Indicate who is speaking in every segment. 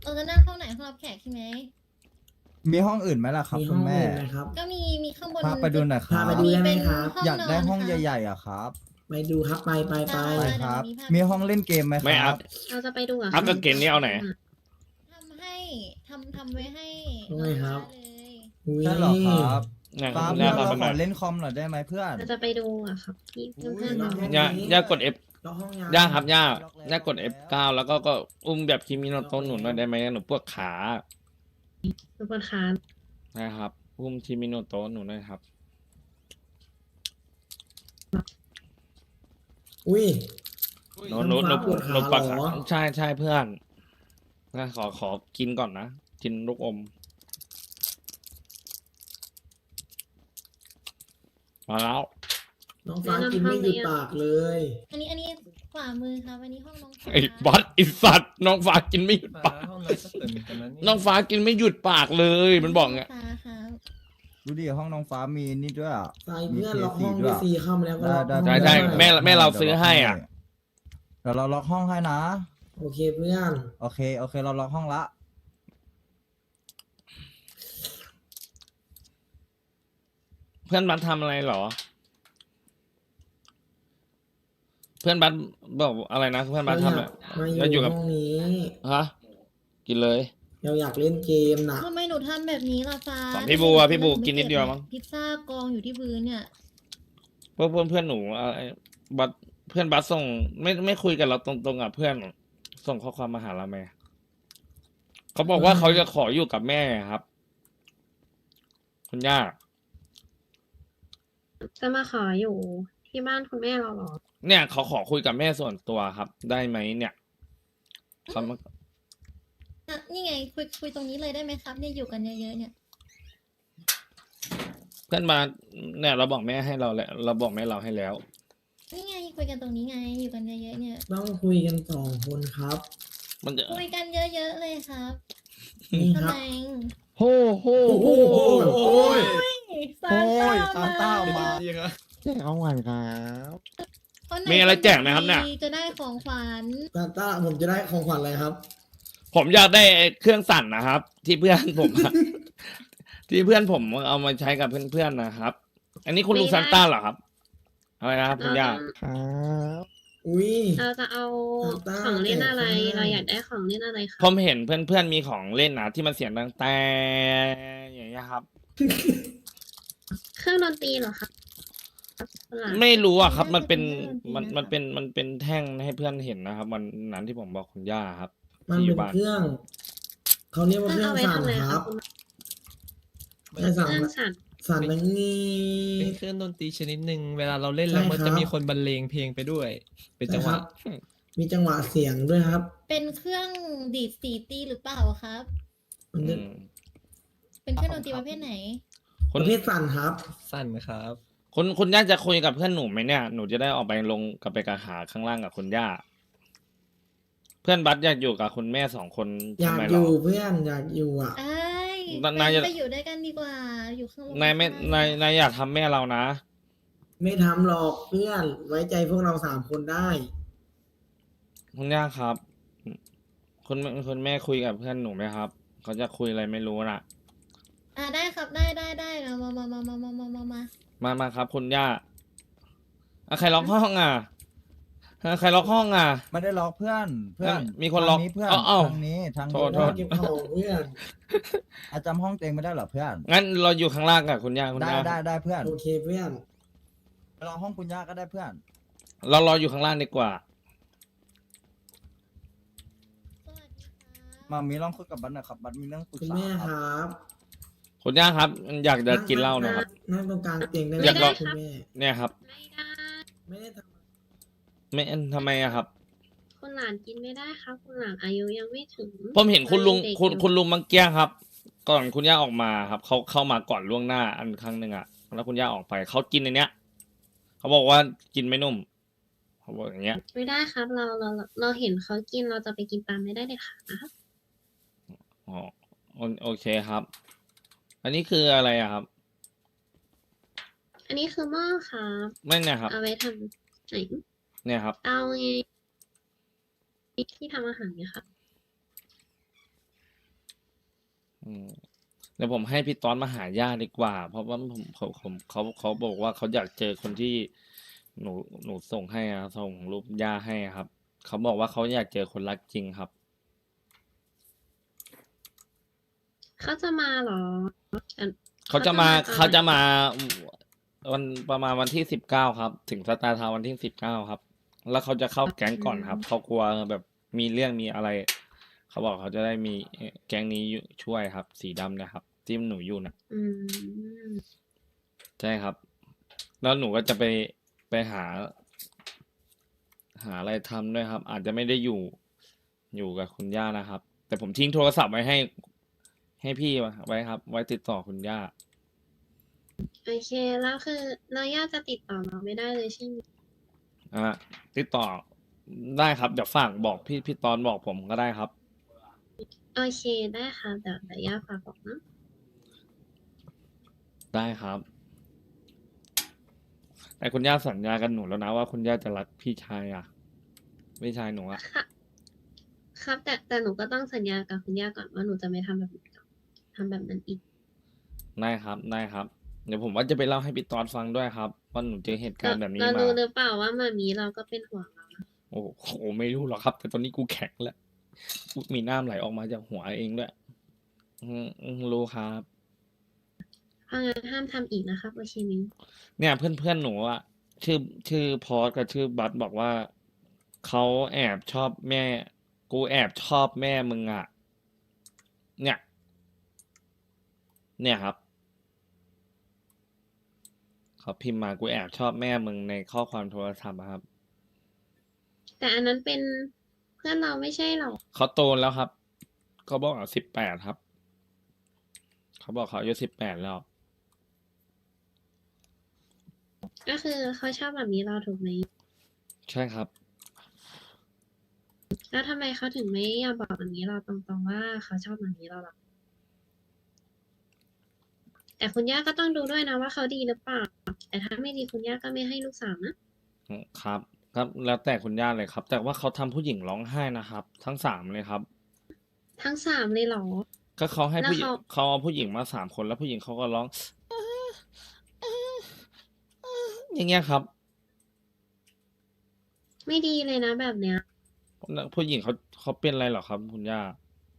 Speaker 1: เราจะนั่งห้องไหนห้องรับแขกใช่ไหม
Speaker 2: มีห้องอื่นไหมล่ะครับ
Speaker 3: มี
Speaker 2: คุ
Speaker 3: ห้อ
Speaker 2: ณ
Speaker 3: ง
Speaker 2: แม่
Speaker 3: อื่นไหมครับ
Speaker 1: ก็มีข้างบน
Speaker 2: พาไปดูหน่อยค
Speaker 3: พา
Speaker 2: รับ
Speaker 3: ไปดูได้ไหมครับ
Speaker 2: อยากได้ห้อง
Speaker 1: ค่ะ
Speaker 2: ใหญ่ๆอ่ะครับ
Speaker 3: ไปดูครับไป
Speaker 2: ไป
Speaker 1: ได้
Speaker 2: ครับ
Speaker 1: เดี๋ยว
Speaker 2: มีห้องเล่นเกมไหมค
Speaker 4: ไม่
Speaker 2: รั
Speaker 4: อั
Speaker 2: บ
Speaker 4: พ
Speaker 5: เราจะไปดูอ่ะ
Speaker 4: อัพกับเกณฑ์นี่เอาไหน
Speaker 1: ทำให้ทำไว้ให้
Speaker 3: ทำไมครับ
Speaker 1: เลย
Speaker 3: อุ๊ย
Speaker 2: ใช่เหรอครับ
Speaker 4: เนี่ย
Speaker 2: ฟ้า
Speaker 4: คุณ
Speaker 2: เพื่
Speaker 4: ย่า
Speaker 2: อน
Speaker 4: พา
Speaker 2: เรา
Speaker 4: ไป
Speaker 2: ข
Speaker 4: หน่
Speaker 2: อ
Speaker 4: อย
Speaker 2: เล่นคอมหน่อยได้ไหมเพื่อน
Speaker 5: เราจะไปดูอ่ะครับพี่เพื่อน
Speaker 4: ย่ากด F
Speaker 3: ล็อกห้องยา
Speaker 4: ย่าครับย่ากด F9 แล้วก็อุ้มแบบคิมิโนโตะหนุนหน่อยได้ไหมหนูปวดขา
Speaker 5: ทุกคนคะ
Speaker 4: นะครับอุ้มคิมิโนโตะหนูหน่อยครับ
Speaker 3: อุ้ย
Speaker 4: หนู
Speaker 3: น้ำฟ้าปวดขา
Speaker 4: ปวด
Speaker 3: เหร
Speaker 4: ขา
Speaker 3: อ
Speaker 4: ใช่เพื่อนนะขอกินก่อนนะ กินลูกอมมาแล้ว
Speaker 3: น้องฟ้ากินไม่หยุดปากเลย
Speaker 1: อันนี้ขวามือครับอันนี้ห้องน้องฟ้า
Speaker 4: ไอ้บอสไอ้สัตว์น้องฟ้ากินไม่หยุดปาก
Speaker 6: ห้องน้ำก็เปิดเหมือนกันนะนี่
Speaker 4: น้องฟ้ากินไม่หยุดปากเลย มันบอกไง
Speaker 1: ฟ้าครับ
Speaker 2: ดูดิห้องน้องฟ้ามีนี่ด้วยอ่ะ
Speaker 3: ใส่เพื่อน
Speaker 2: มี
Speaker 3: ล็อกห้อง
Speaker 2: ด้
Speaker 3: ด้
Speaker 2: ว
Speaker 3: วย ยซีเข้ามาแล้วก็ล็อก
Speaker 2: ได้
Speaker 3: ห้อง
Speaker 4: ใช่
Speaker 3: ได้
Speaker 4: แม่เราซื้อให้อ่ะ
Speaker 2: เดี๋ยวเราล็อกห้องให้นะ
Speaker 3: โอเคเพื่อน
Speaker 2: โอเคเราล็อกห้องละ
Speaker 4: เพื่อนบัสทำอะไรเหรอ เพื่อนบัสบอกอะไรนะเพื่อนบัสทำอะไร
Speaker 3: มา
Speaker 4: แล้วอ
Speaker 3: อยู่ ยู่
Speaker 4: กับ
Speaker 3: ห้องนี้
Speaker 4: ฮะกินเลย
Speaker 3: เราอยากเล่นเกมนะ
Speaker 1: ทำไมหนูทำแบบนี้ล่ะฟ้า
Speaker 4: ของพี่บูอะพี่บูกินนิดเดียวมั้ง
Speaker 1: พิซซ่ากองอยู่ที่พื้นเนี่ย
Speaker 4: เพื่อนหนูอะไรบัสเพื่อนบัสส่งไม่คุยกับเราตรงๆอ่ะเพื่อนส่งข้อความมาหาเราไหมเขาบอกว่าเขาจะขออยู่กับแม่ครับ คุณย่า
Speaker 5: จะมาขออยู่ที่บ้านคุณแม่เราเหรอ
Speaker 4: เนี่ยเขาขอคุยกับแม่ส่วนตัวครับ ได้ไหมเนี่ยเขามา
Speaker 1: อ่ะนี่ไงคุยตรงนี้เลยได้ไหมครับเนี่ยอยู่กันเยอะๆเนี่ย
Speaker 4: เพื่อนมาเนี่ยเราบอกแม่ให้เราแล้วเราบอกแม่เราให้แล้ว
Speaker 1: นี่ไงคุยกันตรงนี้ไงอยู่กันเยอะๆเนี่ย
Speaker 3: ต้องคุยกัน2 คนครับ
Speaker 4: มันจะ
Speaker 1: คุยกันเยอะๆเลยครับ
Speaker 3: นี่ค
Speaker 1: ทำ
Speaker 3: รับ
Speaker 1: ไม
Speaker 2: โฮโฮ
Speaker 3: โอ้โห
Speaker 2: โอ้ย
Speaker 1: ซานต้า
Speaker 2: ซานต้ามา
Speaker 6: ดีครับ
Speaker 2: แจ้งเอาหวานครับ
Speaker 1: คนไหน
Speaker 4: มีอะไรแจกไหมครับเนี่ย
Speaker 1: จะได้ของขวัญ
Speaker 3: ซานต้าผมจะได้ของขวัญอะไรครับ
Speaker 4: ผมอยากได้เครื่องสั่นนะครับ ที่เพื่อนผมอะ ที่เพื่อนผมเอามาใช้กับเพื่อนๆนะครับ อันนี้คุณลุง
Speaker 5: ไม่ได้
Speaker 4: ซานต้าเหรอครับอะไรนะครับคุณย่า
Speaker 2: ครับ
Speaker 3: อุ้ย
Speaker 5: เราจะเอา
Speaker 3: ตา
Speaker 5: ของเล่นอะไร
Speaker 3: แต่
Speaker 5: เราอยากได้ของเล่นอะไรคะ
Speaker 4: ผมเห็นเพื่อนๆมีของเล่นนะที่มันเสียงดังแต่อย่างเงี้ยครับ
Speaker 5: เครื่องดนตรีเหรอคะหลาน
Speaker 4: ไม่รู้อะครับ มันเป็นแท่งให้เพื่อนเห็นนะครับวันนั้นที่ผมบอกคุณย่าครับ
Speaker 3: มัน
Speaker 4: ที่อ
Speaker 3: เป็
Speaker 4: ยู่
Speaker 3: น
Speaker 4: บ้าน
Speaker 3: เครื่อง เขาเรียกว่า
Speaker 5: เค
Speaker 3: เค
Speaker 5: รื่
Speaker 3: รื่
Speaker 5: อ
Speaker 3: อง ง
Speaker 5: เอาไว้
Speaker 3: สั่น
Speaker 5: ทำอะไร
Speaker 3: ค
Speaker 5: ค
Speaker 3: รั
Speaker 5: รั
Speaker 3: บบ
Speaker 5: คุณ
Speaker 3: ใช่สั่น
Speaker 5: เครื่องสั่น
Speaker 3: สั่นนังนี้
Speaker 6: เป็นเครื่องดนตรีชนิดหนึ่งเวลาเราเล่น
Speaker 3: ใช่
Speaker 6: แล้วมัน
Speaker 3: ครั
Speaker 6: จะ
Speaker 3: บ
Speaker 6: มีคนบรรเลงเพลงไปด้วย เป็นจังหวะ
Speaker 3: ใช่ครับ มีจังหวะเสียงด้วยครับ
Speaker 1: เป็นเครื่องดีดสีตีหรือเปล่าครับ
Speaker 3: มัน
Speaker 4: อื
Speaker 3: จะ
Speaker 4: ม
Speaker 1: เป็นเครื่องดนตรีประเภทไหน
Speaker 4: คุ
Speaker 3: ป
Speaker 4: ณ
Speaker 3: ระเภทสั่นครับ
Speaker 6: สั้นครับ
Speaker 4: คุณย่าจะคุยกับเพื่อนหนูไหมเนี่ยหนูจะได้ออกไปลงกับไปกับหาข้างล่างกับคุณย่า เพื่อนบัสอยากอยู่กับคุณแม่2 คน
Speaker 3: อยา
Speaker 4: ทำ
Speaker 3: ก
Speaker 4: ไม
Speaker 3: อ
Speaker 4: เหรอยู่
Speaker 3: เพื่อนอยากอยู่อ่ะ
Speaker 1: ไอ้ย
Speaker 4: นายจะ
Speaker 1: ไปอยู่ด้วยกันดีกว่า อยู่ข้างบน
Speaker 4: นายไม่นายอยากทำแม่เรานะ
Speaker 3: ไม่ทำหรอกเพื่อนไว้ใจพวกเรา3 คนได้
Speaker 4: คุณย่าครับ คุณแม่คุยกับเพื่อนหนูไหมครับเขาจะคุยอะไรไม่รู้น่ะ
Speaker 1: ได้ครับได้เรามา
Speaker 4: มาครับ คุณย่าใครล็อกห้องอ่ะใครล็อกห้องอ่ะ
Speaker 2: ไม่ได้ล็อกเพื่อน
Speaker 4: มีคนล็อก
Speaker 2: ทางเพื่อน
Speaker 4: เอ้า
Speaker 2: ทางนี้ทาง
Speaker 4: โท
Speaker 2: นี้
Speaker 4: ษ
Speaker 3: เก็บของเพื่อน
Speaker 2: อาจำห้องเต็งไม่ได้เหรอเพื่อน
Speaker 4: งั้นเราอยู่ข้างล่างกับคุณย่าคุณ
Speaker 2: ได้
Speaker 4: ย่า
Speaker 2: ได้เพื่อน
Speaker 3: โอเคเพื่อน
Speaker 2: ไปรอห้องคุณย่าก็ได้เพื่อน
Speaker 4: เรารออยู่ข้างล่างดีกว่า
Speaker 1: สวัสดีครับ
Speaker 2: มามีลองคุยกับบัตหน่อยครับบัตมีเรื่องปรึก
Speaker 3: คุณ
Speaker 2: ษา
Speaker 3: แม่
Speaker 2: ค
Speaker 3: ครับ รับ
Speaker 4: คุณย่าครับ อยากจะกินเหล้าหนะครับ
Speaker 3: นั่งตรงกลางเตียงได้ไหม
Speaker 4: อยากลอง
Speaker 3: คุณแม่
Speaker 4: เนี่ยครับ
Speaker 5: ไม่ได้
Speaker 3: ไม่ได้ท
Speaker 4: ไม่ทำไมอะครับ
Speaker 5: คุณหลานกินไม่ได้ครับ คุณหลานอายุยังไม่ถึง
Speaker 4: ผมเห็นคุณลุง
Speaker 5: ยังเด็ก
Speaker 4: คุณลุงมังเกี้ยครับ ก่อนคุณย่าออกมาครับเขาเข้ามาก่อนล่วงหน้าอันครั้งหนึ่งอะแล้วคุณย่าออกไปเขากินในเนี้ยเขาบอกว่ากินไม่นุ่มเขาบอกอย่างเงี้ย
Speaker 5: ไม่ได้ครับ เราเห็นเขากินเราจะไปกินตามไม่ได้เลยค่ะนะครับ
Speaker 4: อ๋อโอเคครับ อันนี้คืออะไรอะครับ
Speaker 5: อันนี้คือหม้อครับ
Speaker 4: ไม่เนี่ยครับ
Speaker 5: เอาไว้ทำไหน
Speaker 4: เนี่ยครับ
Speaker 5: เตาไงที่ทำอาหารเนี่ยค่ะ
Speaker 4: อืมเดี๋ยวผมให้พี่ต้อนมาหาย่าดีกว่า เพราะว่าเขาบอกว่าเขาอยากเจอคนที่หนูส่งให้อะส่งรูปย่าให้อะครับเขาบอกว่าเขาอยากเจอคนรักจริงครับ
Speaker 5: เขาจะมาเหรออัน
Speaker 4: เขาจะมา
Speaker 5: เขาจะมาตอนไหน
Speaker 4: วันประมาณวันที่19ครับ ถึงสตาร์ทาวน์วันที่19ครับ แล้วเขาจะเข้าแก๊งก่อนครับเขากลัวแบบมีเรื่องมีอะไร เขาบอกเขาจะได้มีแก๊งนี้อยู่ช่วยครับ สีดำเนะครับที่หนูอยู่นะ
Speaker 5: อืม
Speaker 4: ใช่ครับ แล้วหนูก็จะไปหาอะไรทำด้วยครับ อาจจะไม่ได้อยู่กับคุณย่านะครับ แต่ผมทิ้งโทรศัพท์ไว้ให้พี่ไว้ครับ ไว้ติดต่อคุณย่า
Speaker 5: โอเค แล้วคือเราย่าจะติดต่อเราไม่ได้เลยใช่ไหม
Speaker 4: ติดต่อได้ครับ เดี๋ยวฝากบอกพี่ตอนบอกผมก็ได้ครับ
Speaker 5: โอเคได้ค่ะเดี๋ยวย่าฝากบอกนะ
Speaker 4: ได้ครับ แต่คุณย่าสัญญากันหนูแล้วนะว่าคุณย่าจะรักพี่ชายพี่ชายหนูอะ
Speaker 5: ค่ะ ครับแต่หนูก็ต้องสัญญากับคุณย่าก่อนว่าหนูจะไม่ทำแบบนี้ทำแบบนั้นอีก
Speaker 4: ได้ครับได้ครับ เดี๋ยวผมว่าจะไปเล่าให้พี่ตอนฟังด้วยครับว่าหนูเจอเหตุการณ์แบบนี้
Speaker 5: เรา
Speaker 4: มา
Speaker 5: รู้หรือเปล่าว่ามามีเราก็เป็นห่วงเรานะ
Speaker 4: โอ้โหไม่รู้หรอกครับ แต่ตอนนี้กูแข็งแล้วกูมีน้ำไหลออกมาจากหัวเองด้วยรู้ครับ
Speaker 5: เพราะงั้นห้ามทำอีกนะครับโอเคมิ้น
Speaker 4: เนี่ยเพื่อนหนูอะชื่อพอสกับชื่อบัสบอกว่าเขาแอบชอบแม่ กูแอบชอบแม่มึงอะเนี่ยครับเขาพิมพ์มากูแอบชอบแม่มึงในข้อความโทรศัพท์อะครับ
Speaker 5: แต่อันนั้นเป็นเพื่อนเราไม่ใช่หรอ
Speaker 4: เขาโตแล้วครับเขาบอก18ครับเขาบอกเขาอายุ18แล้ว
Speaker 5: ก็คือเขาชอบแบบนี้เราถูกไหม
Speaker 4: ใช่ครับ
Speaker 5: แล้วทำไมเขาถึงไม่ยอมบอกแบบนี้เราตรงๆว่าเขาชอบแบบนี้เราหรอแต่คุณย่าก็ต้องดูด้วยนะว่าเขาดีหรือเปล่า แต่ถ้าไม่ดีคุณย่าก็ไม่ให้ลูกสาวนะ
Speaker 4: ครับแล้วแต่คุณย่าเลยครับ แต่ว่าเขาทำผู้หญิงร้องไห้นะครับ ทั้ง3เลยครับ
Speaker 5: ทั้งสามเลยเหรอ
Speaker 4: ก็เขาให้ผู้หญิง
Speaker 5: แล้วเขา
Speaker 4: เขาเอาผู้หญิงมา3คนแล้วผู้หญิงเขาก็ร้องอย่างเงี้ยครับ
Speaker 5: ไม่ดีเลยนะแบบเนี้ย
Speaker 4: ผู้หญิงเขาเป็นอะไรเหรอครับคุณย่า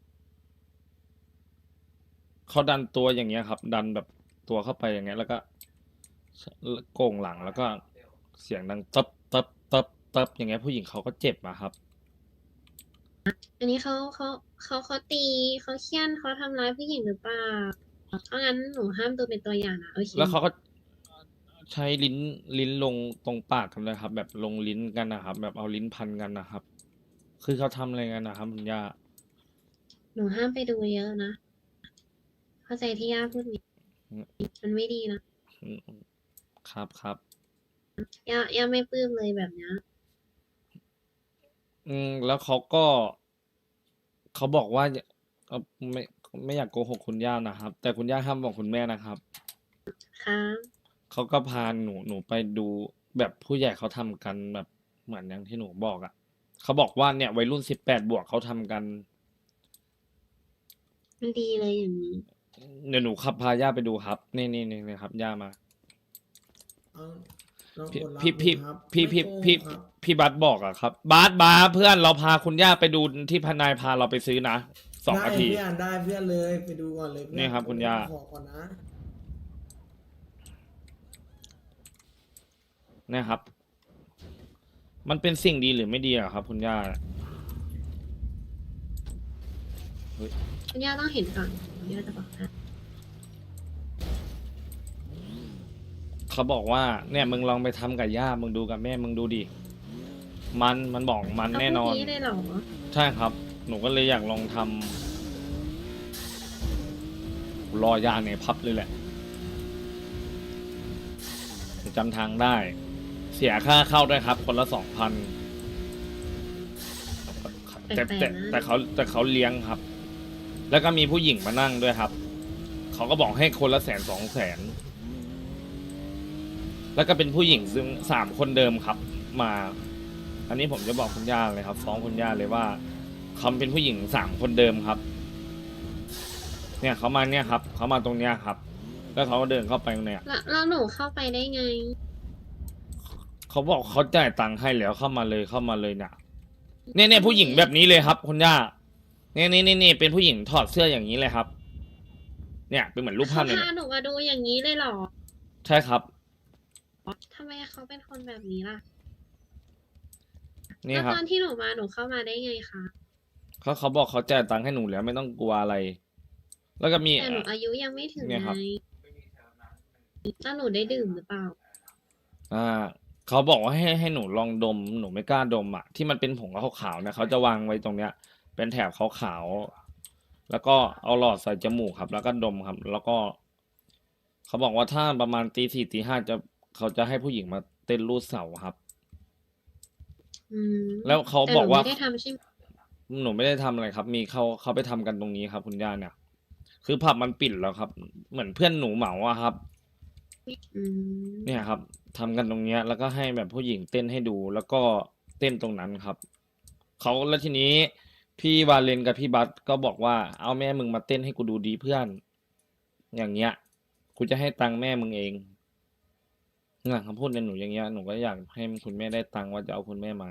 Speaker 4: เขาดันตัวอย่างเงี้ยครับ ดันแบบตัวเข้าไปอย่างเงี้ย แล้วก็โก่งหลังแล้วก็เสียงดังตับอย่างเงี้ย ผู้หญิงเขาก็เจ็บอะครับ
Speaker 5: อันนี้เขาตีเขาเคี่ยนเขาทำร้ายผู้หญิงหรือเปล่า เพราะงั้นหนูห้ามดูเป็นตัวอย่างนะโอเค
Speaker 4: แล้วเขาก็ใช้ลิ้นลงตรงปากกันเลยครับ แบบลงลิ้นกันนะครับ แบบเอาลิ้นพันกันนะครับ คือเขาทำอะไรกันนะครับคุณย่า
Speaker 5: หนูห้ามไปดูเยอะนะ เข้าใจที่ย่าพูดนี้
Speaker 4: อืม
Speaker 5: มันไม่ดีนะ
Speaker 4: อืมครับ
Speaker 5: ย่าไม่ปลื้มเลยแบบเนี้ย
Speaker 4: แล้วเขาบอกว่าเอ่อไม่อยากโกหกคุณย่านะครับ แต่คุณย่าห้ามบอกคุณแม่นะครับ
Speaker 5: ครับ
Speaker 4: เขาก็พาหนูไปดูแบบผู้ใหญ่เขาทำกันแบบเหมือนอย่างที่หนูบอกอ่ะเขาบอกว่าเนี่ยวัยรุ่น18 บวกเขาทำกัน
Speaker 5: มันดีเลยอย่างนี้
Speaker 4: เดี๋ยวหนูขับพาย่าไปดูครับ นี่ครับย่ามา
Speaker 3: เอาลอง
Speaker 4: พี่
Speaker 3: กดรับ
Speaker 4: พี่
Speaker 3: ดูครับ
Speaker 4: พี่
Speaker 3: ไม่โกหกครับ
Speaker 4: พี่บัสบอกอะครับบัสเพื่อนเราพาคุณย่าไปดูที่พนายพาเราไปซื้อนะ2 นาที
Speaker 3: ได้เพื่อนเลยไปดูก่อนเลยเพื่อ
Speaker 4: นี่ครับคุณย่า
Speaker 3: ขอก่อนนะ
Speaker 4: นะครับ มันเป็นสิ่งดีหรือไม่ดีอะครับ คุณย่า
Speaker 5: คุณย่าต้องเห็นก่อนคุณย่าจะบอกนะ
Speaker 4: เขาบอกว่าเนี่ยมึงลองไปทำกับย่ามึงดูกับแม่มึงดูดิมันบอกมัน
Speaker 5: เขา
Speaker 4: แน่
Speaker 5: พูด
Speaker 4: นอน
Speaker 5: นี้เลยเหรอ
Speaker 4: ใช่ครับ หนูก็เลยอยากลองทำรอย่าในพับเลยแหละจำทางได้ เสียค่าเข้าด้วยครับ คนละ 2,000แต่เขาเลี้ยงครับ แล้วก็มีผู้หญิงมานั่งด้วยครับ เขาก็บอกให้คนละ100,000-200,000แล้วก็เป็นผู้หญิงซึ่ง3 คนเดิมครับ มา อันนี้ผมจะบอกคุณย่าเลยครับฟ้องคุณย่าเลยว่าเขาเป็นผู้หญิง3 คนเดิมครับเนี่ยเขามาเนี่ยครับเขามาตรงเนี้ยครับ แล้วเขาก็เดินเข้าไปเนี่ย
Speaker 5: แล้วหนูเข้าไปได้ไง
Speaker 4: เขาบอกเขาจ่ายตังค์ให้แล้วเข้ามาเลยเนี่ยผู้หญิงแบบนี้เลยครับคุณย่านี่เป็นผู้หญิงถอดเสื้ออย่างนี้เลยครับ เนี่ยเป็นเหมือนรูปภา
Speaker 5: เขา
Speaker 4: พเลย
Speaker 5: พาหนูมาดูอย่างนี้เลยเหรอ
Speaker 4: ใช่ครับ
Speaker 5: ทำไมเขาเป็นคนแบบนี้ล่ะ
Speaker 4: นี่
Speaker 5: แล้ว
Speaker 4: ครับ
Speaker 5: ตอนที่หนูมาหนูเข้ามาได้ไงคะ
Speaker 4: เขาบอกเขาจ่ายตังค์ให้หนูแล้วไม่ต้องกลัวอะไร แล้วก็มี
Speaker 5: แต่หนูอายุยังไม่ถึง
Speaker 4: เนี่ย
Speaker 5: ไง
Speaker 4: ครับ
Speaker 5: แล้วหนูได้ดื่มหรือเปล่า
Speaker 4: เขาบอกว่าให้หนูลองดมหนูไม่กล้าดมอ่ะที่มันเป็นผงขาวๆนะเขาจะวางไว้ตรงเนี้ย เป็นแถบขาวๆแล้วก็เอาหลอดใส่จมูกครับ แล้วก็ดมครับ แล้วก็ เขาบอกว่าถ้าประมาณตี 4 ตี 5เขาจะให้ผู้หญิงมาเต้นรูดเสาครับ
Speaker 5: อืม
Speaker 4: แล้วเขา
Speaker 5: แต่
Speaker 4: บอกว่า
Speaker 5: หนูไม่ได้ทำใช่ไหม
Speaker 4: หนูไม่ได้ทำอะไรครับ มีเขาไปทำกันตรงนี้ครับ คุณย่าเนี่ย คือผับมันปิดแล้วครับ เหมือนเพื่อนหนูเหมาอะครับ
Speaker 5: อืม
Speaker 4: เนี่ยครับทำกันตรงเนี้ย แล้วก็ให้แบบผู้หญิงเต้นให้ดู แล้วก็เต้นตรงนั้นครับเขาแล้วทีนี้พี่วาเลนกับพี่บัสก็บอกว่าเอาแม่มึงมาเต้นให้กูดูดีเพื่อน อย่างเงี้ยกูจะให้ตังค์แม่มึงเองเนี่ยคำพูดในหนูอย่างเงี้ยหนูก็อยากให้คุณแม่ได้ตังค์ว่าจะเอาคุณแม่มา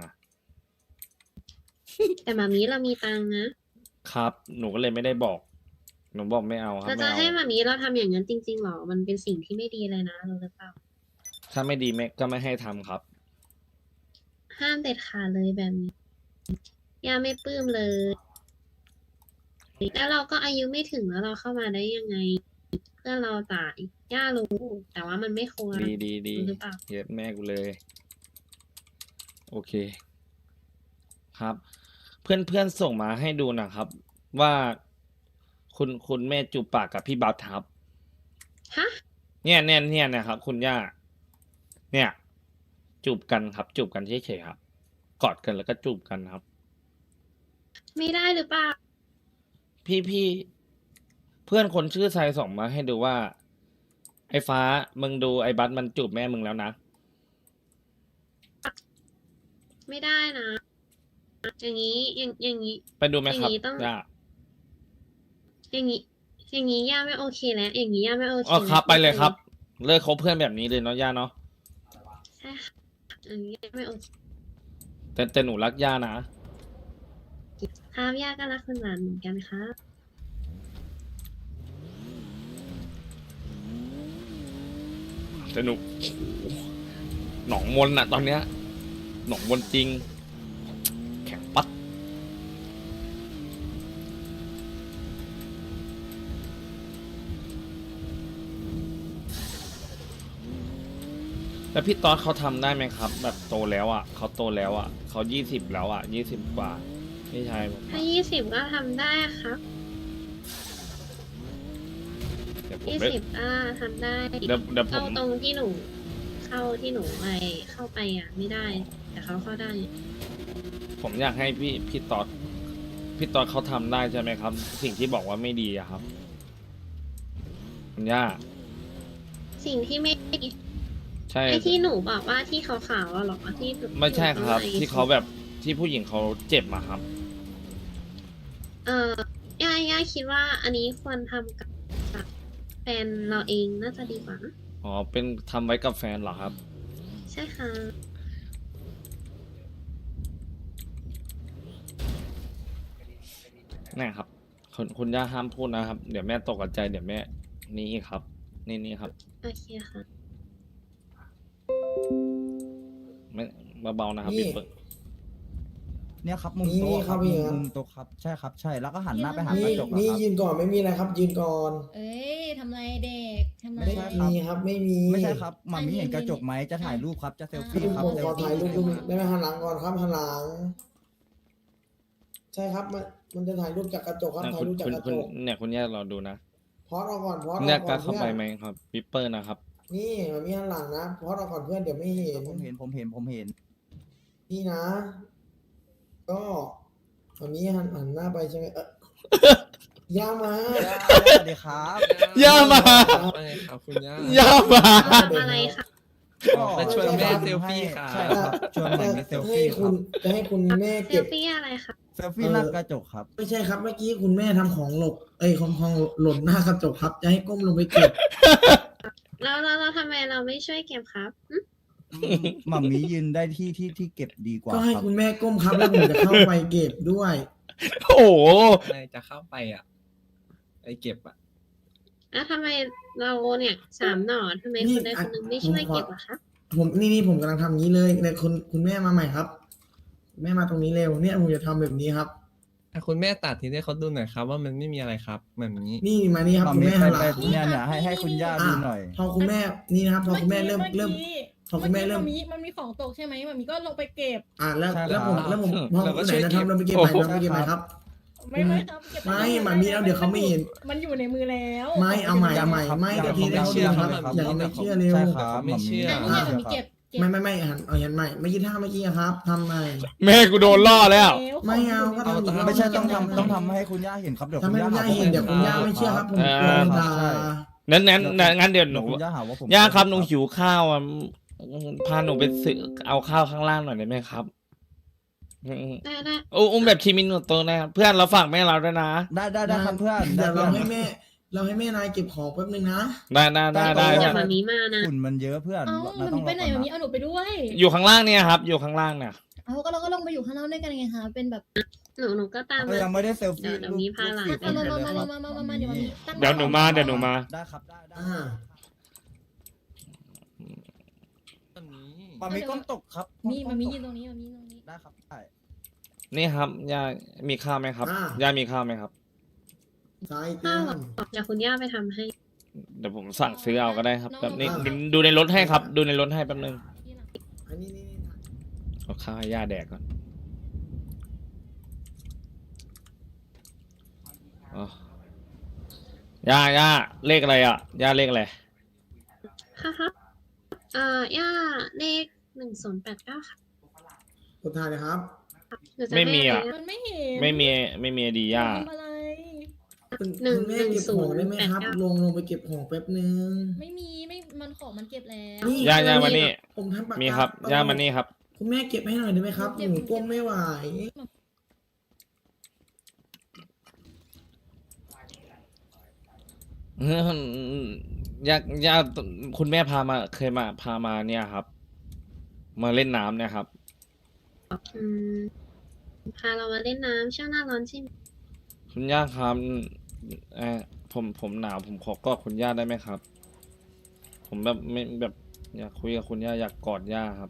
Speaker 5: แต่มามีเรามีตังค์นะ
Speaker 4: ครับ หนูก็เลยไม่ได้บอก หนูบอกไม่เอาครับ
Speaker 5: เรา
Speaker 4: ไม่
Speaker 5: จะ
Speaker 4: เอา
Speaker 5: ให้มามีเราทำอย่างนั้นจริงๆหรอ มันเป็นสิ่งที่ไม่ดีเลยนะรู้หรือเปล่า
Speaker 4: ถ้าไม่ดีแม่ก็ไม่ให้ทำครับ
Speaker 5: ห้ามเด็ดขาดเลยแบบนี้ย่าไม่ปลื้มเลย แล้วเราก็อายุไม่ถึงแล้วเราเข้ามาได้ยังไง เพื่อนเราตายย่ารู้ แต่ว่ามันไม่ควร
Speaker 4: ดี
Speaker 5: รู้หรือเปล่า
Speaker 4: เย็บแม่กูเลย โอเค ครับ เพื่อนส่งมาให้ดูนะครับ ว่าคุณแม่จูบปากกับพี่บัสครับ
Speaker 5: ฮะ
Speaker 4: เนี่ยนะครับ คุณย่า เนี่ย จูบกันครับ จูบกันเฉยๆครับ กอดกันแล้วก็จูบกันครับ
Speaker 5: ไม่ได้หรือเปล่า
Speaker 4: พี่เพื่อนคนชื่อไซส่งมาให้ดูว่า ไอ้ฟ้ามึงดูไอ้บัสมันจูบแม่มึงแล้วนะ
Speaker 5: ไม่ได้นะ อย่างนี้อย่างนี้
Speaker 4: ไปดูไหมครับ
Speaker 5: อย่างนี้ต้อง
Speaker 4: ย่า
Speaker 5: อย่างนี้ย่าไม่โอเคแล้ว อย่างนี้ย่าไม่โอเค
Speaker 4: อ๋อครับ
Speaker 5: แล้ว
Speaker 4: ไปเลยครับ เลิกคบเพื่อนแบบนี้เลยเนาะย่าเนาะ
Speaker 5: ใช่ค่ะอย่างนี้ย่าไม่โอเค
Speaker 4: แต่หนูรักย่านะ
Speaker 5: ครับย่าก็รักคุณหลานเหมือนกันครับ
Speaker 4: แต่หนูหนองมนอะตอนเนี้ย หนองมนจริง แข็งปัด แล้วพี่ต๊อดเขาทำได้ไหมครับ แบบโตแล้วอ่ะเขาโตแล้วอ่ะเขา20แล้วอ่ะ20 กว่าไม่ใช่ผม
Speaker 5: ถ้า20ก็ทำได้ครับ
Speaker 4: เดี๋ยวผมไป
Speaker 5: 20ก็ทำได้
Speaker 4: เดี๋ยวผม
Speaker 5: ตรงที่หนูเข้าไปอ่ะ ไม่ได้ แต่เขาเข้าได้
Speaker 4: ผมอยากให้พี่ต๊อดเขาทำได้ใช่ไหมครับ สิ่งที่บอกว่าไม่ดีอะครับคุณย่า
Speaker 5: สิ่งที่ไม่
Speaker 4: ใช่
Speaker 5: ไอ้ที่หนูบอกว่าที่ขาวๆอะเหรอที่
Speaker 4: ไม่ใช่ครับ
Speaker 5: หนู
Speaker 4: ที่เขาแบบที่ผู้หญิงเขาเจ็บมาครับ
Speaker 5: ย่าคิดว่าอันนี้ควรทำกับแฟนเราเองน่าจะดีกว่านะ
Speaker 4: อ๋อเป็นทำไว้กับแฟนเหรอครับ
Speaker 5: ใช่ค่ะ
Speaker 4: นี่ครับคุณย่าห้ามพูดนะครับ เดี๋ยวแม่ตกใจเดี๋ยวแม่นี่ครับ นี่ครับ
Speaker 5: โอเคค่ะ
Speaker 4: ไม่เบาๆนะครับ
Speaker 3: นี่
Speaker 4: พี่เปิด
Speaker 2: เนี่ยครับมุม
Speaker 3: นี่
Speaker 2: โต๊ะครับ
Speaker 3: นี่
Speaker 2: มุ
Speaker 3: ครับ
Speaker 2: มโต๊ะครับใช่ครับใช่แล้วก็หันหน้าไปหาก
Speaker 3: นี่
Speaker 2: ระจกอะ
Speaker 3: นี่
Speaker 2: ครับ
Speaker 3: ยืนก่อนไม่มีอะไรครับ ยืนก่อน
Speaker 1: เอ้ยทำไรเด็กทำไร
Speaker 2: ไม่ใช่ครับ
Speaker 3: มีครับไม่มี
Speaker 2: ไม่ใช่ครับหมามีเห็นกระจกไหมจะถ่ายรูปครับจะเซลฟี่
Speaker 3: พี่
Speaker 2: ครับ
Speaker 3: ผม
Speaker 2: เซ
Speaker 3: ข
Speaker 2: ล
Speaker 3: อ
Speaker 2: ฟี่
Speaker 3: ถ่ายรูปได้ไหมหันหลังก่อนครับหันหลัง ใช่ครับมันจะถ่ายรูปจากกระจกครับ
Speaker 4: เนี่ย
Speaker 3: ถ่ายรูปจากกระจก
Speaker 4: เนี่ยคุณย่ารอดูนะ
Speaker 3: พอดเอาก่อนพอด
Speaker 4: คุณ
Speaker 3: เอา
Speaker 4: ย่า
Speaker 3: ก่
Speaker 4: ก
Speaker 3: อ
Speaker 4: ล้าน เข้าไป
Speaker 3: เพื่อน
Speaker 4: ไหมครับวิปเปอร์นะครับ
Speaker 3: นี่มันมีหันหลังนะพอดเอาก่อนเพื่อนเดี๋ยวไม่เห็น
Speaker 2: ผมเห็น
Speaker 3: นี่นะ ก็มันมีหันหน้าไปใช่ไหมย่ามา
Speaker 2: สวัสดีครับ
Speaker 4: ย่ามา
Speaker 6: ว่าไงครับคุณย่า
Speaker 4: ย่ามา
Speaker 5: ทำอะไรคะ
Speaker 6: มาชวนแม่เซลฟี่ค่ะ
Speaker 2: ใช่ครับชวนแม่ไปเซล
Speaker 3: ให้
Speaker 2: ฟี่ค
Speaker 3: คุ
Speaker 2: รับ
Speaker 3: ณจะให้คุณแม่
Speaker 5: เซ
Speaker 3: เก็
Speaker 5: ล
Speaker 3: บ
Speaker 5: ฟี่อะไรคะ
Speaker 2: เซลฟี่หน้ากระจกครับ
Speaker 3: ไม่ใช่ครับเมื่อกี้คุณแม่ทำของหลบของหล่นหน้ากระจกครับ จะให้ก้มลงไปเก็บ
Speaker 5: เราทำไมเราไม่ช่วยเก็บครับหึ
Speaker 2: หม่ามียืนได้ที่เก็บดีกว่า
Speaker 3: ก็ให้
Speaker 2: ครับ
Speaker 3: คุณแม่ก้มครับแล้วผมจะเข้าไปเก็บด้วย
Speaker 4: โอ้โห
Speaker 6: นายจะเข้าไปอ่ะไปเก็บอ่ะ
Speaker 5: แล้วทำไมเราเนี่ยสามหน่อทำไม
Speaker 3: นี่
Speaker 5: คนใดคนหนึ่งไม่ช่วยเก็บอะคะ
Speaker 3: ผมนี่ผมกำลังทำงี้เลยเนี่ยคุณแม่มาใหม่ครับแม่มาตรงนี้เร็วเนี่ยผมจะทำแบบนี้ครับ
Speaker 6: คุณแม่ตัดทีให้เขาดูหน่อยครับ ว่ามันไม่มีอะไรครับแบบนี้
Speaker 3: นี่มานี่ครับ
Speaker 2: หม่า
Speaker 3: คุณ
Speaker 2: มี
Speaker 3: แม่
Speaker 2: ไป
Speaker 3: หันหลั
Speaker 2: ไป
Speaker 3: ง
Speaker 2: เนี่ยให้คุณย่าดูหน่อย
Speaker 3: พอคุณแม่นี่นะครับ พอคุณแม่เริ่มพอคุณแม่เริ่ม
Speaker 1: มันมีของตกใช่ไหมมันมีก็ลงไปเก็บ
Speaker 3: แล้ว
Speaker 2: ใช่
Speaker 3: แล้วผม
Speaker 2: ครับ
Speaker 3: แล้วผมพอ
Speaker 6: เราก็
Speaker 3: ไหน
Speaker 6: ช่วย
Speaker 3: นะ
Speaker 6: เก็
Speaker 3: ครับ
Speaker 6: บ
Speaker 3: เราไปเก็บใหม่เราไปเก็บใหม่ครับ
Speaker 1: ไม่ครับเก็บ
Speaker 3: ไม่หมามีแล้วเดี๋ยวเขาไม่เห็น
Speaker 1: มันอยู่ในมือแล้ว
Speaker 3: ไม่เอาใหม่ไม่
Speaker 2: ยัง
Speaker 3: เดี๋ยวที
Speaker 2: ยัง
Speaker 3: เขาดูครับ
Speaker 2: ยัง
Speaker 3: อย่าไม่เชื่อเร็ว
Speaker 2: ใช่ครับ
Speaker 6: ไม่เชื่อ
Speaker 1: แต่นี่ไงมันมีเก็บ
Speaker 3: ไม่หันใหม่เมื่อกี้ท่าเมื่อกี้ครับทำใหม่
Speaker 4: แม่กูโดนล่อแล้ว
Speaker 3: ไม่เอาก็ทำอีกรอบ
Speaker 2: ไม่ใช่ต้องทำให้คุณย่าเห็นครับเดี๋ยว
Speaker 3: ทำ
Speaker 2: คุณ
Speaker 3: ให้
Speaker 2: ย่า
Speaker 3: คุณย่าเห็นเดี๋ยวคุณย่าไม่เชื่อครับผมโดนด่า
Speaker 4: งั้นเดี๋ยวหนู
Speaker 2: คุณย่าหาว่าผม
Speaker 4: ย่าครับหนูหิวข้าวอ่ะพาหนูไปซื้อเอาข้าวข้างล่างหน่อยได้ไหมครับ
Speaker 5: ได้
Speaker 4: อุ้มแบบทีมินโตนะครับเพื่อนเราฝากแม่เราด้วยนะ
Speaker 2: ได้ครับเพื่อน
Speaker 3: เดี๋ยว
Speaker 2: ได้
Speaker 3: เรา
Speaker 2: เพื่อน
Speaker 3: ให้แม่นายเก็บของแป๊บนึงนะ
Speaker 4: ได้
Speaker 5: ๆ
Speaker 4: จ้ะ
Speaker 5: มามีมานะ
Speaker 2: ฝุ่นมันเยอะเพื่อน
Speaker 1: เอ้า
Speaker 2: เรา
Speaker 1: มัน
Speaker 2: ต้อง
Speaker 1: ไปไหน
Speaker 2: รอ
Speaker 1: มัน
Speaker 2: ก่
Speaker 1: มี
Speaker 2: อน
Speaker 1: เอาหนูไปด้วย
Speaker 4: อยู่ข้างล่างเนี่ยครับ อยู่ข้างล่างเนี่ย
Speaker 1: เอาก็เราก็ลงไปอยู่ข้างนอกด้วยกันไงคะเป็นแบบ
Speaker 5: หนูก็ตาม
Speaker 2: ก็
Speaker 5: มา
Speaker 2: ยังไม่ได้เซลฟี่
Speaker 5: เดี๋ยวมีพาหลาน
Speaker 1: มาเดี๋ยวมีตั้ง
Speaker 4: เดี๋ยวหนูมา
Speaker 2: ได้ครับได้
Speaker 6: ตอนนี้
Speaker 2: มามีก้มตกครับ
Speaker 1: มันมียืนตรงนี้มันมีตรงนี้
Speaker 2: ได้ครับได้
Speaker 4: นี่ครับย่ามีข้าวไหมครับย่ามีข้าวไหมครับ
Speaker 3: ซ้ายเตี้
Speaker 5: ข้าวย หรอเดี๋ยวคุณย่าไปทำให้
Speaker 4: เดี๋ยวผมสั่งซื้อเอาก็ได้ครับแบบนี้ดูในรถให้ครับ ดูในรถให้แป๊บนึง
Speaker 3: อันนี้
Speaker 4: เอาข้าวให้ย่าแดกก่อนอ๋อย่าเลขอะไรอ่ะย่าเลขอะไร
Speaker 5: ค่ะย่าเลข1089ค่ะ
Speaker 3: กดถ่ายเลยครับ
Speaker 5: หนูจะ
Speaker 4: ไม่มีอ่ะ
Speaker 1: มันไม่เห็น
Speaker 4: ไม่มีดีย่า
Speaker 1: ทำอะไร
Speaker 3: คุณแม่เก็บของได้ไหมครับ ลงไปเก็บของแป๊บนึง
Speaker 1: ไม่มีมันของมันเก็บแล้ว
Speaker 4: ย่ามานี่
Speaker 3: ผมทำปากกา
Speaker 4: มีครับย่ามานี่ครับ
Speaker 3: คุณแม่เก็บให้หน่อยได้ไหมครับหนูก้มไม่ไหว
Speaker 4: ย่าคุณแม่เคยพามาเนี่ยครับ มาเล่นน้ำเนี่ยครับ
Speaker 5: อืมพาเรามาเล่นน้ำช่วงหน้าร้อนใช่ไหม
Speaker 4: คุณย่าครับผมหนาวผมขอกอดคุณย่าได้ไหมครับ ผมแบบไม่แบบอยากคุยกับคุณย่าอยากกอดย่าครับ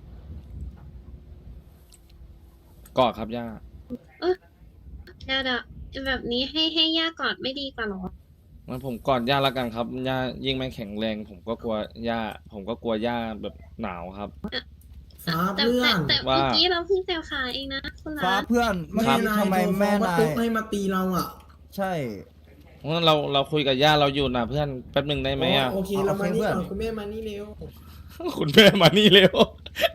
Speaker 4: กอดครับย่า
Speaker 5: เดี๋ยวแบบนี้ให้ย่ากอดไม่ดีกว่าหรอ
Speaker 4: งั้นผมกอดย่าแล้วกันครับย่ายิ่งไม่แข็งแรง ผมก็กลัวย่าแบบหนาวครับ
Speaker 3: ฟ้า
Speaker 5: แต่
Speaker 3: เพื่อน
Speaker 5: แต่เมื่อกี้เราเพิ่งเซลขาเองนะคุณ
Speaker 2: ฟ้า
Speaker 5: ร้าน
Speaker 2: เพื่อนเมื่อกี้ทำไมแม่
Speaker 3: มาน
Speaker 2: าย
Speaker 3: ตุ๊กให้มาตีเราอ่ะ
Speaker 2: ใช่
Speaker 4: งั้นเราคุยกับย่าเราอยู่นะเพื่อนแป๊บหนึ่งได้ไหมอ่ะ
Speaker 3: โอเคเรามานี่ก่อนคุณแม่มานี่เร็ว
Speaker 4: คุณแม่มานี่เร็ว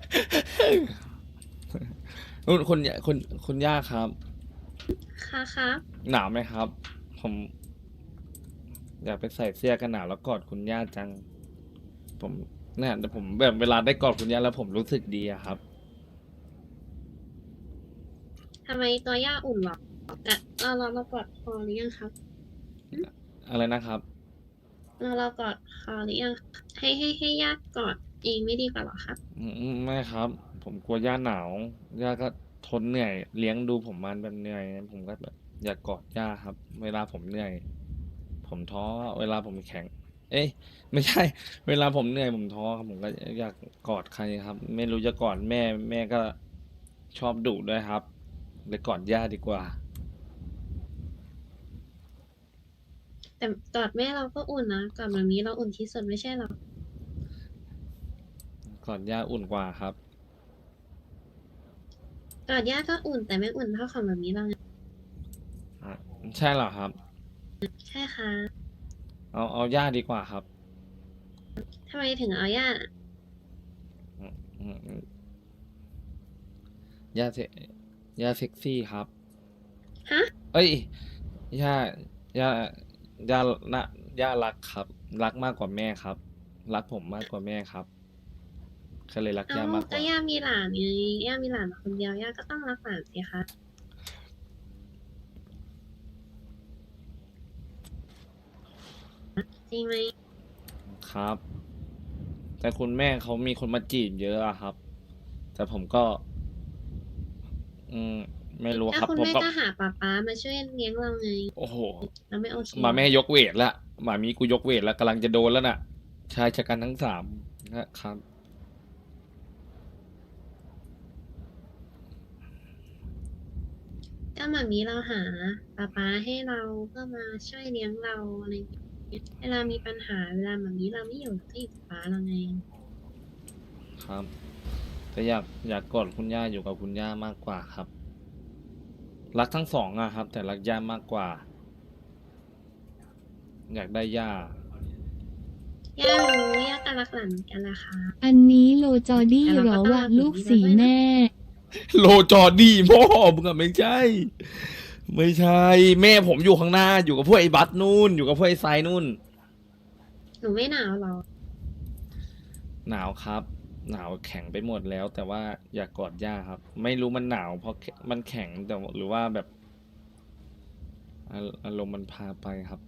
Speaker 4: คุณย่าครับ
Speaker 5: ค่ะครับ
Speaker 4: หนาวไหมครับ ผม อยากไปใส่เสื้อกันหนาวแล้วกอดคุณย่าจัง ผมเนี่ยแต่ผมแบบเวลาได้กอดคุณย่าแล้วผมรู้สึกดีอะครับ
Speaker 5: ทำไมตัวย่าอุ่นหรอแต่เรากอดคอหรือยังครับ
Speaker 4: อะไรนะครับ
Speaker 5: เรากอดคอหรือยังให้ย่ากอดเองไม่ดีกว่าหรอครับ
Speaker 4: ไม่ครับ ผมกลัวย่าหนาว ย่าก็ทนเหนื่อย เลี้ยงดูผมมาแบบเหนื่อย ผมก็แบบอยากกอดย่าครับ เวลาผมเหนื่อย ผมท้อ เวลาผมแข็ง เอ้ยไม่ใช่ เวลาผมเหนื่อยผมท้อครับผมก็อยากกอดใครครับ ไม่รู้จะกอดแม่ก็ชอบดุด้วยครับเลยกอดย่าดีกว่า
Speaker 5: แต่กอดแม่เราก็อุ่นนะกอดแบบนี้เราอุ่นที่สุดไม่ใช่หรอก
Speaker 4: อดย่าอุ่นกว่าครับ
Speaker 5: กอดย่าก็อุ่นแต่ไม่อุ่นเท่าของแบบนี้เราไง
Speaker 4: ใช่เหรอครับ
Speaker 5: ใช่ค่ะ
Speaker 4: เอาย่าดีกว่าครับ
Speaker 5: ทำไมถึงเอาย่า
Speaker 4: อืมย่าเซ็กซี่ครับ
Speaker 5: ฮะ
Speaker 4: เอ้ยย่าย่ารักครับ รักมากกว่าแม่ครับ รักผมมากกว่าแม่ครับก็เลยรัก
Speaker 5: เอ้า
Speaker 4: ย่ามากก
Speaker 5: ก็
Speaker 4: ว่า
Speaker 5: ย่ามีหลานไงย่ามีหลานคนเดียวย่าก็ต้องรักหลานสิคะจริงไหม
Speaker 4: ครับ แต่คุณแม่เขามีคนมาจีบเยอะอะครับ แต่ผมก็ ไม่รู้
Speaker 5: ถ้า
Speaker 4: ครับ
Speaker 5: คุณ
Speaker 4: ผม
Speaker 5: แม่
Speaker 4: ก็
Speaker 5: ก็หาป๊ามาช่วยเลี้ยงเราไง
Speaker 4: โอ้โห
Speaker 5: เราไม่โอเค
Speaker 4: หมาแม่ยกเวทละหมามีกูยกเวทแล้วกำลังจะโดนแล้วน่ะ ชายชะกันทั้ง3นะครับ
Speaker 5: ก็แบบนี้เราหาป๊าให้เราเพื่อมาช่วยเลี้ยงเราอะไรอย่างเงี้ยเวลามีปัญหาเวลาแบบนี้เราไม่อยู่ก็อยู่กับป๊าเราไง
Speaker 4: ครับ แต่อยากกอดคุณย่าอยู่กับคุณย่ามากกว่าครับ รักทั้ง2อะครับ แต่รักย่ามากกว่า อยากได้ย่า
Speaker 5: ย่ารู้ย่าก็รักหลานเหมือนกันแหละค่ะ
Speaker 7: อันนี้โลจอดี้เหรอวะลูกสีแม่
Speaker 4: โลจอดี้พ่อมึงอะไม่ใช่ ไม่ใช่ แม่ผมอยู่ข้างหน้าอยู่กับพวกไอ้บัสนู่นอยู่กับพวกไอ้ไซนู่น
Speaker 5: หนูไม่หนาวหรอ
Speaker 4: หนาวครับ หนาวแข็งไปหมดแล้ว แต่ว่าอยากกอดย่าครับ ไม่รู้มันหนาวเพราะมันแข็งแต่หรือว่าแบบอารมณ์มันพาไปครับ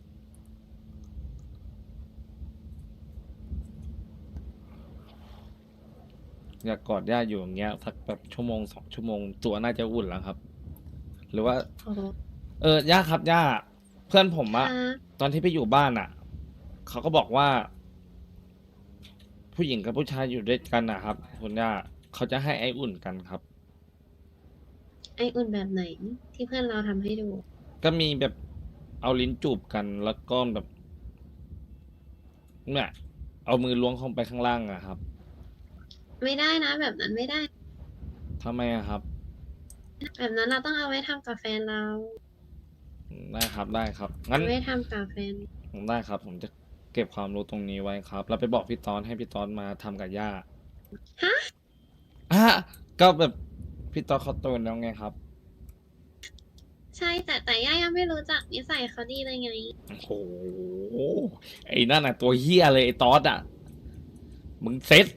Speaker 4: อยากกอดย่าอยู่อย่างเงี้ยสักแบบ1-2 ชั่วโมงตัวน่าจะอุ่นแล้วครับ หรือว่า
Speaker 5: โอ้โห
Speaker 4: ย่าครับย่า เพื่อนผมอะ
Speaker 5: ค่ะ
Speaker 4: ตอนที่ไปอยู่บ้านอะเขาก็บอกว่า ผู้หญิงกับผู้ชายอยู่ด้วยกันนะครับคุณย่าเขาจะให้ไออุ่นกันครับ
Speaker 5: ไออุ่นแบบไหน ที่เพื่อนเราทำให้ดู
Speaker 4: ก็มีแบบเอาลิ้นจูบกันแล้วก็แบบเนี่ยเอามือล้วงเข้าไปข้างล่างอะครับ
Speaker 5: ไม่ได้นะ แบบนั้นไม่ได้
Speaker 4: ทำไมอะครับ
Speaker 5: แบบนั้นเราต้องเอาไว้ทำกับแฟนเรา
Speaker 4: ได้ครับได้ครับงั้น
Speaker 5: เอาไว้ทำกับแฟน
Speaker 4: ได้ครับ ผมจะเก็บความรู้ตรงนี้ไว้ครับ แล้วไปบอกพี่ตอนให้พี่ตอนมาทำกับย่า
Speaker 5: ฮะ
Speaker 4: ก็แบบพี่ตอนเขาโตแล้วไงครับ
Speaker 5: ใช่แต่ย่ายังไม่รู้จักนิสัยเขาดีเลยไง
Speaker 4: โอ้โห ไอ้นั่นน่ะตัวเฮี้ยเลยไอ้ตอสอ่ะ มึงเซ็ต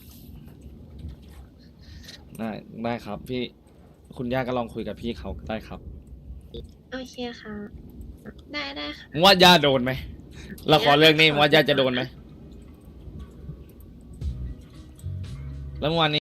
Speaker 4: ได้ครับ พี่คุณย่าก็ลองคุยกับพี่เขาได้ครับ
Speaker 5: โอเคค่ะ ได้ค่ะ
Speaker 4: มึงว่าย่าโดนไหมละครเรื่องนี้มึงว่าย่าจะโดนไหมแล้วเมื่อวานนี้